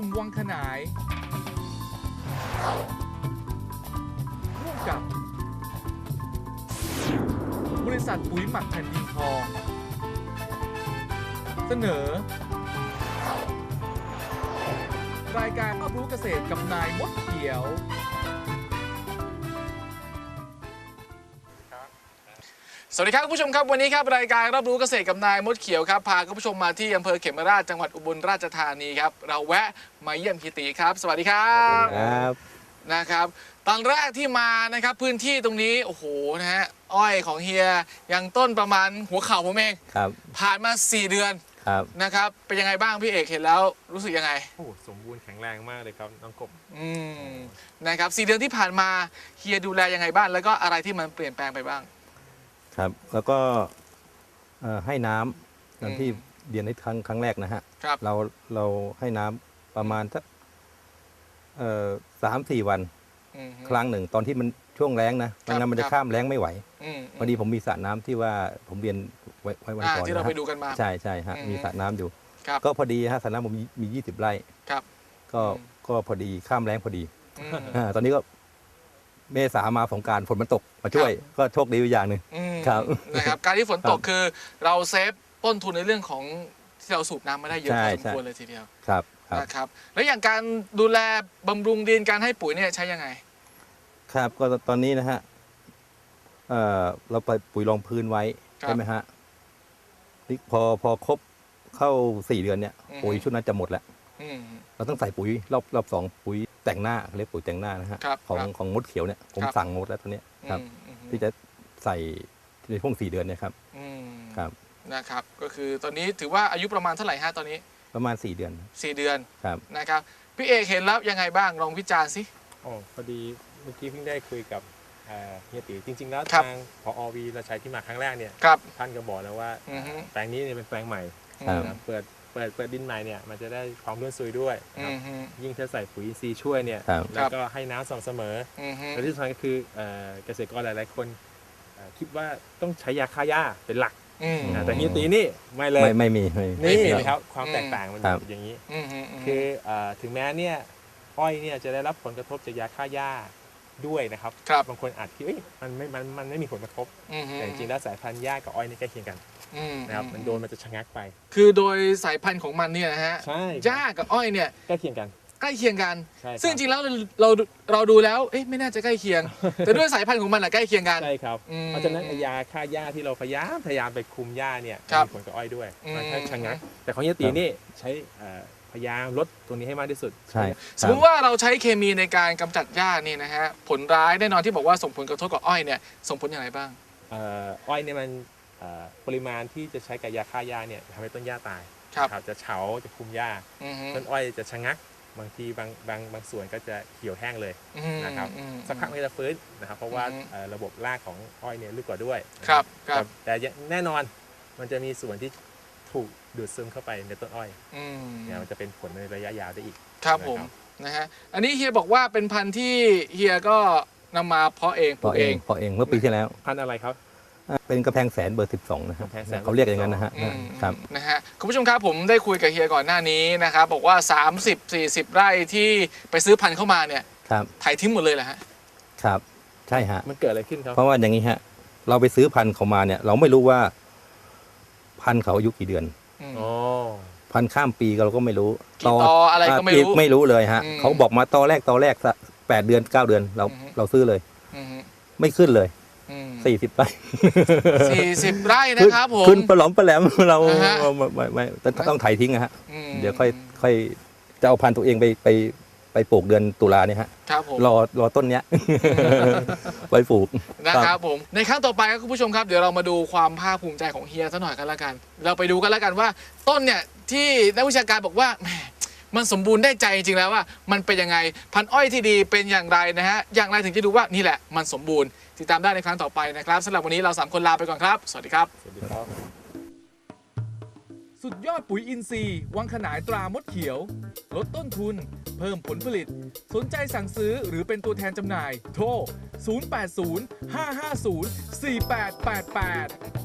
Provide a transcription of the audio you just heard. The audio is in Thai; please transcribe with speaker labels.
Speaker 1: สุ่มวังขนายร่วมกับบริษัทปุ๋ยหมักแผ่นดินทองเสนอรายการรอบรู้เกษตรกับนายมดเขียวสวัสดีครับคุณผู้ชมครับวันนี้ครับรายการรอบรู้เกษตรกับนายมดเขียวครับพาคุณผู้ชมมาที่อำเภอเขมราชจังหวัดอุบลราชธานีครับเราแวะมาเยี่ยมพี่ตีครับสวัสดีครับนะครับตอนแรกที่มานะครับพื้นที่ตรงนี้โอ้โหนะฮะอ้อยของเฮียยังต้นประมาณหัวเข่าผมเอง
Speaker 2: ครับ
Speaker 1: ผ่านมา4 เดือน
Speaker 2: ครับ
Speaker 1: นะครับเป็นยังไงบ้างพี่เอกเห็นแล้วรู้สึกยังไง
Speaker 3: โอ้สมบูรณ์แข็งแรงมากเลยครับน้องกบ
Speaker 1: นะครับ4 เดือนที่ผ่านมาเฮียดูแลยังไงบ้างแล้วก็อะไรที่มันเปลี่ยนแปลงไปบ้าง
Speaker 2: ครับแล้วก็ให้น้ำอย่างที่เรียนในครั้งแรกนะฮะเราให้น้ำประมาณสัก3-4 วันครั้งหนึ่งตอนที่มันช่วงแล้งนะไม่งั้นมันจะข้ามแล้งไม่ไหวพอดีผมมีสระน้ำที่ว่าผมเรียนไว้วันก่อน
Speaker 1: ที่เราไปดูกันมา
Speaker 2: ใช่ฮะมีสระน้ำอยู่ก็พอดีฮะสระน้ำผมมี20 ไร่ก็พอดีข้ามแล้งพอดีตอนนี้ก็เมษามาสงกรานต์ฝนมันตกมาช่วยก็โชคดีอย่างหนึ่ง
Speaker 1: ครับนะครับการที่ฝนตกคือเราเซฟต้นทุนในเรื่องของที่เราสูบน้ำมาได้เยอะพอสมควรเลยทีเดียวนะครับแล้วอย่างการดูแลบำรุงดินการให้ปุ๋ยเนี่ยใช้ยังไง
Speaker 2: ครับก็ตอนนี้นะฮะเราไปปุ๋ยรองพื้นไว้ใช่ไหมฮะนี่พอครบเข้า4 เดือนเนี่ยปุ๋ยชุดนั้นจะหมดแล้วเราต้องใส่ปุ๋ยรอบ2ปุ๋ยแต่งหน้าเรียกปุ๋ยแต่งหน้านะฮะของมดเขียวเนี่ยผมสั่งหมดแล้วตอนนี้ครับที่จะใส่ในช่วง4 เดือนเนี่ยครับ
Speaker 1: นะครับก็คือตอนนี้ถือว่าอายุประมาณเท่าไหร่ฮะตอนนี้
Speaker 2: ประมาณ4 เดือน
Speaker 1: 4 เดือน
Speaker 2: ครับ
Speaker 1: นะครับพี่เอกเห็นแล้วยังไงบ้างลองวิจารณ์สิ
Speaker 3: พอดีเมื่อกี้เพิ่งได้คุยกับเฮียตีจริงๆแล้วทางผอ.วีเราใช้ที่มาครั้งแรกเนี่ยท่านก็บอกแล้วว่าแปลงนี้เนี่ยเป็นแปลงใหม่เปิดดินใหม่เนี่ยมันจะได้ความร่วนซุยด้วยยิ่งถ้าใส่ปุ๋ยอินทรีย์ช่วยเนี่ยแล้วก็ให้น้ำสม่ำเสมอและที่สำคัญก็คือเกษตรกรหลายๆคนคิดว่าต้องใช้ยาฆ่าหญ้าเป็นหลักแต่เฮียตีนี่ไม่เลย
Speaker 2: ไม่มี
Speaker 3: นี่นะครับความแตกต่างมันอย่างนี้คือถึงแม้เนี่ยอ้อยเนี่ยจะได้รับผลกระทบจากยาฆ่าหญ้าด้วยนะครับบางคนอาจคิดมันไม่มีผลกระทบแต่จริงๆแล้วสายพันธุ์หญ้ากับอ้อยนี่ใกล้เคียงกันนะครับมันโดนมันจะชะงักไป
Speaker 1: คือโดยสายพันธุ์ของมันเนี่ยนะฮะหญ้ากับอ้อยเนี่ย
Speaker 3: ใกล้เคียงกัน
Speaker 1: ซึ่งจริงๆแล้วเราดูแล้วไม่น่าจะใกล้เคียงแต่ด้วยสายพันธุ์ของมันใกล้เคียงกัน
Speaker 3: ใช่ครับเพราะฉะนั้นยาฆ่าหญ้าที่เราพยายามไปคุมหญ้าเนี่ยมีผลกับอ้อยด้วยมันแค่ชะงักแต่ของเฮียตีนี่ใช้พยายามลดตัวนี้ให้มากที่สุด
Speaker 2: ใช่
Speaker 1: สมมติว่าเราใช้เคมีในการกำจัดหญ้านี่นะฮะผลร้ายแน่นอนที่บอกว่าส่งผลกระทบกับอ้อยเนี่ยส่งผลอย่างไรบ้าง
Speaker 3: อ้อยเนี่ยมันปริมาณที่จะใช้กับยาฆ่าหญ้าเนี่ยทำให้ต้นหญ้าตายจะเฉาจะคุมหญ้าต้นอ้อยจะชะงักบางทีบางส่วนก็จะเขียวแห้งเลยนะครับสักพักมันจะฟื้นนะครับเพราะว่าระบบรากของอ้อยเนี่ยลึกกว่าด้วยแต่แน่นอนมันจะมีส่วนที่ถูกดูดซึมเข้าไปในต้นอ้อยเนี่ยมันจะเป็นผลในระยะยาวได้อีก
Speaker 1: ครับผมนะฮะอันนี้เฮียบอกว่าเป็นพันธุ์ที่เฮียก็นำมาเพาะเอง
Speaker 2: เมื่อปีที่แล้ว
Speaker 3: พันธุ์อะไรครับ
Speaker 2: เป็นกระแพงแสนเบอร์ 12นะครับเขาเรียกอย่างนั้นนะฮะครับ
Speaker 1: นะฮะคุณผู้ชมครับผมได้คุยกับเฮียก่อนหน้านี้นะครับบอกว่า30-40 ไร่ที่ไปซื้อพันธุ์เข้ามาเนี่ยถ่ายทิ้งหมดเลยแหละฮะ
Speaker 2: ครับใช่ฮะ
Speaker 3: มันเกิดอะไรขึ้นครับ
Speaker 2: เพราะว่าอย่างนี้ฮะเราไปซื้อพันธุ์เขามาเนี่ยเราไม่รู้ว่าพันธุ์เขาอายุกี่เดือนพันธุ์ข้ามปีเราก็ไม่รู้
Speaker 1: ต่ออะไรก็ไม่
Speaker 2: รู้เลยฮะเขาบอกมาต่อแรก8 เดือน 9 เดือนเราซื้อเลยไม่ขึ้นเลย40 ไร่
Speaker 1: 40 ไร่นะครับผม
Speaker 2: ขึ้นปลอมปลแหลมเราไม่ต้องไถทิ้งนะฮะเดี๋ยวค่อยจะเอาพันธุ์ตัวเองไปปลูกเดือนตุลาเนี่ยฮะรอต้นเนี้ยไปปลูก
Speaker 1: นะครับผมในครั้งต่อไปครับคุณผู้ชมครับเดี๋ยวเรามาดูความภาคภูมิใจของเฮียซะหน่อยกันละกันเราไปดูกันละกันว่าต้นเนี่ยที่นักวิชาการบอกว่ามันสมบูรณ์ได้ใจจริงๆแล้วว่ามันเป็นยังไงพันธุ์อ้อยที่ดีเป็นอย่างไรนะฮะอย่างไรถึงจะดูว่านี่แหละมันสมบูรณ์ติดตามได้ในครั้งต่อไปนะครับสำหรับวันนี้เรา3 คนลาไปก่อนครับสวัสดีครับสุดยอดปุ๋ยอินทรีย์วังขนายตรามดเขียวลดต้นทุนเพิ่มผลผลิตสนใจสั่งซื้อหรือเป็นตัวแทนจำหน่ายโทร 080 550 4888